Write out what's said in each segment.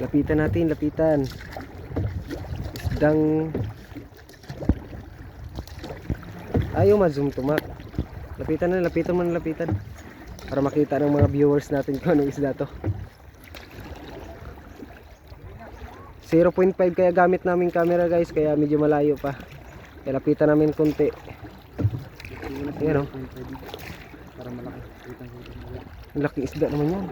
Lapitan natin, lapitan. Isdang ayaw ma-zoom to, Mac. Lapitan na, lapitan mo na, lapitan. Para makita ng mga viewers natin kung anong isda to. 0.5 kaya gamit namin camera guys, kaya medyo malayo pa. Kaya lapitan namin konti. Ayan o. Para malaki. Ang laking isda naman yan.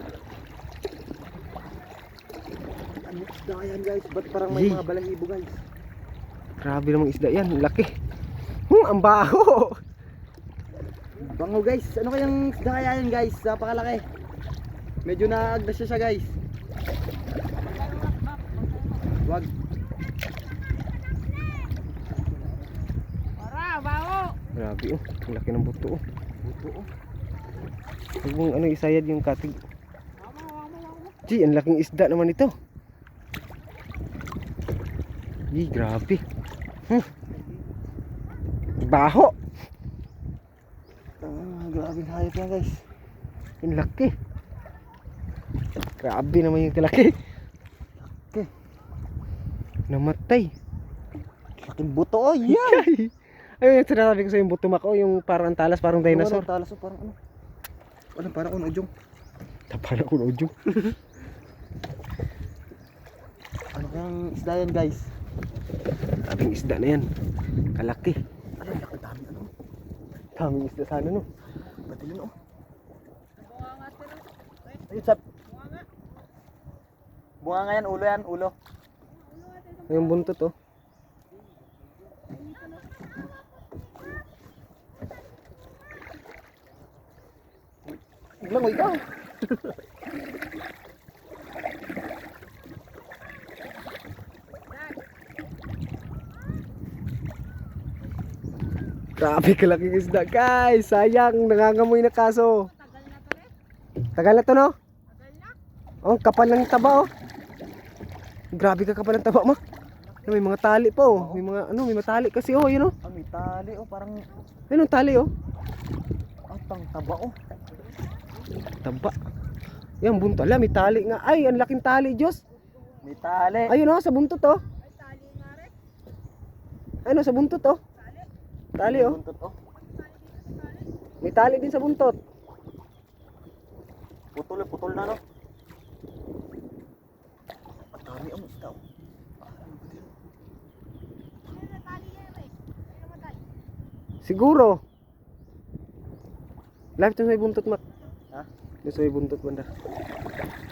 Ano isda yan guys? Ba't parang may Yay. mga balahibo guys? Grabe namang isda yan, ang laki. Ang baho. Bango guys. Ano kayang isda kaya yan guys? Napakalaki. Medyo naagdas siya guys. Wag. Grabe oh, ang laki ng buto oh. Buto oh. Huwag mong ano isayad yung katig. Gee, ang laking isda naman ito. Gee, grabe. Baho. Grabe hayop yan guys. Ang laki. Grabe naman yung kalaki. Laki. Namatay. Laking buto oh. Yan. Ayun yung sinasabi ko sa yung buto, Mac, oh, yung parang talas, parang dinosaur. Talas oh, parang ano. Ano parang unojong. Tapan ako ng udyong. Ano kayang isda yan guys? Daming isda na yan. Kalaki. Ano laki dami ano? Daming isda sana no. Batilin oh. Ayun sab. Bunga nga yan, ulo yan, ulo. Yung buntot oh. Biglang ikaw. Grabe kalaking isda guys. Sayang, nangangamoy na kaso. Tagal na to no? Oh, kapal ng taba oh. Grabe ka kapal ng taba, Ma. May mga tali pa oh. May mga ano, may matali kasi oh, yun oh. Ah, may tali oh, parang Ayun ang tali oh. atang taba oh. Taba. Yan buntot. Ala, may tali nga. Ay, ang laking tali, Diyos. May tali. Ayun oh, sa buntot oh. Ayun oh, sa buntot oh. Tali oh. Buntot oh. May tali din sa buntot. Putol na no. Ang dami ang isda oh. Siguro. Live to sa buntot, Mac. Ha? Doon sa buntot banda.